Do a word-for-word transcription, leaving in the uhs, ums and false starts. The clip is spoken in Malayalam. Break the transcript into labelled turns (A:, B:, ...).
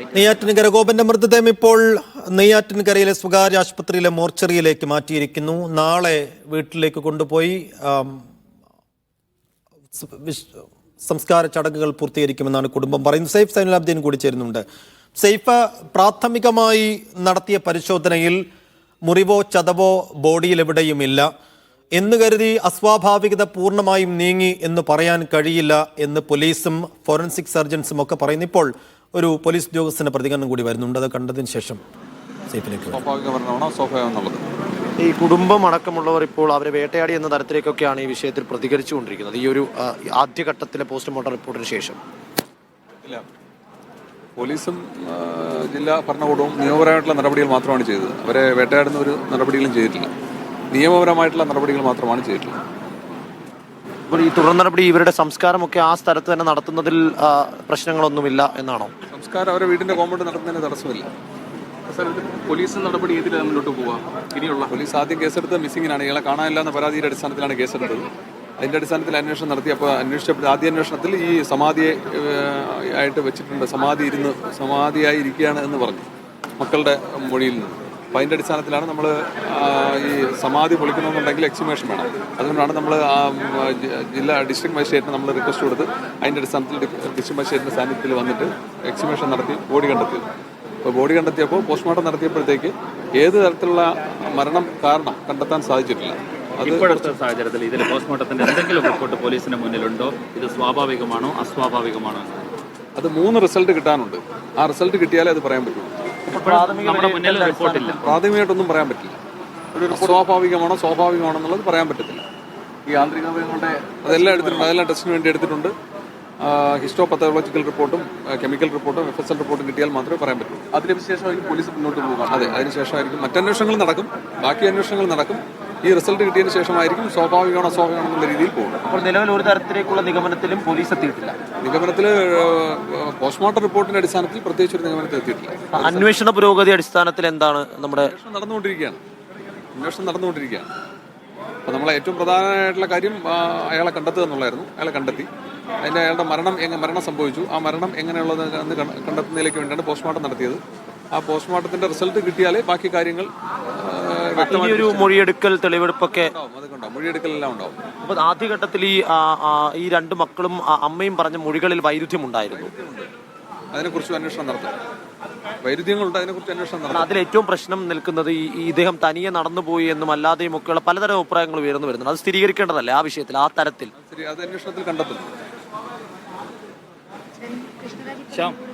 A: നെയ്യാറ്റിൻകര ഗോപന്റെ മൃതദേഹം ഇപ്പോൾ നെയ്യാറ്റിൻകരയിലെ സ്വകാര്യ ആശുപത്രിയിലെ മോർച്ചറിയിലേക്ക് മാറ്റിയിരിക്കുന്നു. നാളെ വീട്ടിലേക്ക് കൊണ്ടുപോയി സംസ്കാര ചടങ്ങുകൾ പൂർത്തീകരിക്കുമെന്നാണ് കുടുംബം പറയുന്നത്. സെയ്ഫ് സൈനുലാബ്ദീൻ കൂടി ചേരുന്നുണ്ട്. സെയ്ഫ്, പ്രാഥമികമായി നടത്തിയ പരിശോധനയിൽ മുറിവോ ചതവോ ബോഡിയിൽ എവിടെയുമില്ല എന്ന് കരുതി അസ്വാഭാവികത പൂർണ്ണമായും നീങ്ങി എന്ന് പറയാൻ കഴിയില്ല എന്ന് പോലീസും ഫോറൻസിക് സർജൻസും ഒക്കെ പറയുന്നു. ഇപ്പോൾ ഒരു പോലീസ് ഉദ്യോഗസ്ഥന്റെ പ്രതികരണം കൂടി വരുന്നുണ്ട്. അത് കണ്ടതിന് ശേഷം
B: ഈ കുടുംബം അടക്കമുള്ളവർ ഇപ്പോൾ അവരെ വേട്ടയാടി എന്ന തരത്തിലേക്കൊക്കെയാണ് ഈ വിഷയത്തിൽ പ്രതികരിച്ചുകൊണ്ടിരിക്കുന്നത്. ഈ ഒരു ആദ്യഘട്ടത്തിലെ പോസ്റ്റ്മോർട്ടം റിപ്പോർട്ടിന് ശേഷം
C: ഇല്ല, പോലീസും ജില്ലാ ഭരണകൂടവും നിയമപരമായിട്ടുള്ള നടപടികൾ മാത്രമാണ് ചെയ്തത്. അവരെ വേട്ടയാടുന്ന ഒരു നടപടികളും ചെയ്തിട്ടില്ല. നിയമപരമായിട്ടുള്ള നടപടികൾ മാത്രമാണ് ചെയ്തിട്ടുള്ളത്.
B: ഈ തുടർ നടപടി ഇവരുടെ സംസ്കാരമൊക്കെ ആ സ്ഥലത്ത് തന്നെ നടത്തുന്നതിൽ പ്രശ്നങ്ങളൊന്നുമില്ല എന്നാണോ?
C: സംസ്കാരം അവരെ വീടിന്റെ കോമ്പൗണ്ട് നടത്തുന്നതിന് തടസ്സമില്ല.
D: പോലീസ് നടപടി ഏതിൽ മുന്നോട്ട് പോവാ? ഇനിയുള്ള
C: പോലീസ് ആദ്യം കേസെടുത്ത് മിസ്സിങ്ങിനാണ്. ഇയാളെ കാണാനില്ല എന്ന പരാതിയുടെ അടിസ്ഥാനത്തിലാണ് കേസെടുത്തത്. അതിന്റെ അടിസ്ഥാനത്തിൽ അന്വേഷണം നടത്തി. അപ്പോൾ അന്വേഷിച്ചപ്പോൾ ആദ്യ അന്വേഷണത്തിൽ ഈ സമാധിയെ ആയിട്ട് വെച്ചിട്ടുണ്ട്, സമാധി ഇരുന്ന് സമാധിയായി ഇരിക്കുകയാണ് എന്ന് പറഞ്ഞു മക്കളുടെ മൊഴിയിൽ നിന്ന്. അപ്പം അതിൻ്റെ അടിസ്ഥാനത്തിലാണ് നമ്മൾ ഈ സമാധി പൊളിക്കണമെന്നുണ്ടെങ്കിൽ എക്സിമേഷൻ വേണം. അതുകൊണ്ടാണ് നമ്മൾ ജില്ലാ ഡിസ്ട്രിക്ട് മജിസ്ട്രേറ്റിന് നമ്മൾ റിക്വസ്റ്റ് കൊടുത്ത് അതിൻ്റെ അടിസ്ഥാനത്തിൽ ഡിസ്ട്രിക്ട് മജിസ്ട്രേറ്റിൻ്റെ സാന്നിധ്യത്തിൽ വന്നിട്ട് എക്സിമേഷൻ നടത്തി ബോഡി കണ്ടെത്തിയത്. അപ്പോൾ ബോഡി കണ്ടെത്തിയപ്പോൾ പോസ്റ്റ്മോർട്ടം നടത്തിയപ്പോഴത്തേക്ക് ഏത് തരത്തിലുള്ള മരണം കാരണം കണ്ടെത്താൻ സാധിച്ചിട്ടില്ല.
D: ഇപ്പോഴത്തെ സാഹചര്യത്തിൽ ഇതിൽ പോസ്റ്റ്മോർട്ടത്തിന്റെ എന്തെങ്കിലും റിപ്പോർട്ട് പോലീസിന് മുന്നിലുണ്ടോ? ഇത് സ്വാഭാവികമാണോ അസ്വാഭാവികമാണോ?
C: അത് മൂന്ന് റിസൾട്ട് കിട്ടാനുണ്ട്. ആ റിസൾട്ട് കിട്ടിയാലേ അത് പറയാൻ പറ്റുള്ളൂ.
D: നമ്മുടെ മുന്നിൽ റിപ്പോർട്ടില്ല.
C: പ്രാഥമികമായിട്ടൊന്നും പറയാൻ പറ്റില്ല. ഒരു സ്വാഭാവികമാണോ സ്വാഭാവികമാണോ എന്നുള്ളത് പറയാൻ പറ്റത്തില്ല.
D: ഈ യാന്ത്രികങ്ങളുടെ
C: അതെല്ലാം എടുത്തിട്ടുണ്ട്. അതെല്ലാം ടെസ്റ്റിന് വേണ്ടി എടുത്തിട്ടുണ്ട്. ഹിസ്റ്റോ പത്തോളജിക്കൽ റിപ്പോർട്ടും കെമിക്കൽ റിപ്പോർട്ടും എഫ് എസ് എൽ റിപ്പോർട്ടും കിട്ടിയാൽ മാത്രമേ പറയാൻ പറ്റുള്ളൂ.
D: അതിനുശേഷമായിരിക്കും പോലീസ് മുന്നോട്ട് പോകുക.
C: അതെ, അതിനുശേഷമായിരിക്കും മറ്റന്വേഷണങ്ങൾ നടക്കും. ബാക്കി അന്വേഷണങ്ങൾ നടക്കും. ഈ റിസൾട്ട് കിട്ടിയതിന് ശേഷമായിരിക്കും സ്വാഭാവികമാണോ അസ്വാഭാവികമാണോ എന്നുള്ള രീതിയിൽ പോകും.
B: അപ്പോൾ നിലവിൽ ഒരു തരത്തിലേക്കുള്ള നിഗമനത്തിലും പോലീസ് എത്തിയിട്ടില്ല.
C: നിഗമനത്തിൽ പോസ്റ്റ്മോർട്ടം റിപ്പോർട്ടിന്റെ അടിസ്ഥാനത്തിൽ പ്രത്യേകിച്ച് ഒരു നിഗമനത്തിൽ എത്തിയിട്ടില്ല.
B: അന്വേഷണ പുരോഗതി അടിസ്ഥാനത്തിൽ എന്താണ് നമ്മുടെ
C: അന്വേഷണം നടന്നുകൊണ്ടിരിക്കുകയാണ്. അന്വേഷണം നടന്നുകൊണ്ടിരിക്കുകയാണ്. അപ്പോൾ നമ്മളെ ഏറ്റവും പ്രധാനമായിട്ടുള്ള കാര്യം അയാളെ കണ്ടെത്തുക എന്നുള്ളതായിരുന്നു. അയാളെ കണ്ടെത്തി. അതിൻ്റെ അയാളുടെ മരണം എങ്ങനെ മരണം സംഭവിച്ചു, ആ മരണം എങ്ങനെയുള്ളത് എന്ന് കണ്ടെത്തുന്നതിലേക്ക് വേണ്ടിയാണ് പോസ്റ്റ്മോർട്ടം നടത്തിയത്. ആ പോസ്റ്റ്മോർട്ടത്തിന്റെ റിസൾട്ട് കിട്ടിയാലേ ബാക്കി കാര്യങ്ങൾ
B: ഒരു മൊഴിയെടുക്കൽ തെളിവെടുപ്പൊക്കെ
C: മൊഴിയെടുക്കലെല്ലാം ഉണ്ടാവും.
B: അപ്പോൾ ആദ്യഘട്ടത്തിൽ ഈ ഈ രണ്ട് മക്കളും അമ്മയും പറഞ്ഞ മൊഴികളിൽ വൈരുദ്ധ്യം ഉണ്ടായിരുന്നു.
C: അതിനെക്കുറിച്ച് അന്വേഷണം നടത്തും. വൈരുദ്ധ്യങ്ങളുണ്ട്, അതിനെക്കുറിച്ച് അന്വേഷണം നടത്തും.
B: അതിൽ ഏറ്റവും പ്രശ്നം നിൽക്കുന്നത് ഈ ഇദ്ദേഹം തനിയെ നടന്നുപോയി എന്നും അല്ലാതെയും ഒക്കെയുള്ള പലതരം അഭിപ്രായങ്ങൾ ഉയർന്നു വരുന്നുണ്ട്. അത് സ്ഥിരീകരിക്കേണ്ടതല്ലേ ആ വിഷയത്തിൽ, ആ തരത്തിൽ?
C: അത് അന്വേഷണത്തിൽ കണ്ടെത്തും.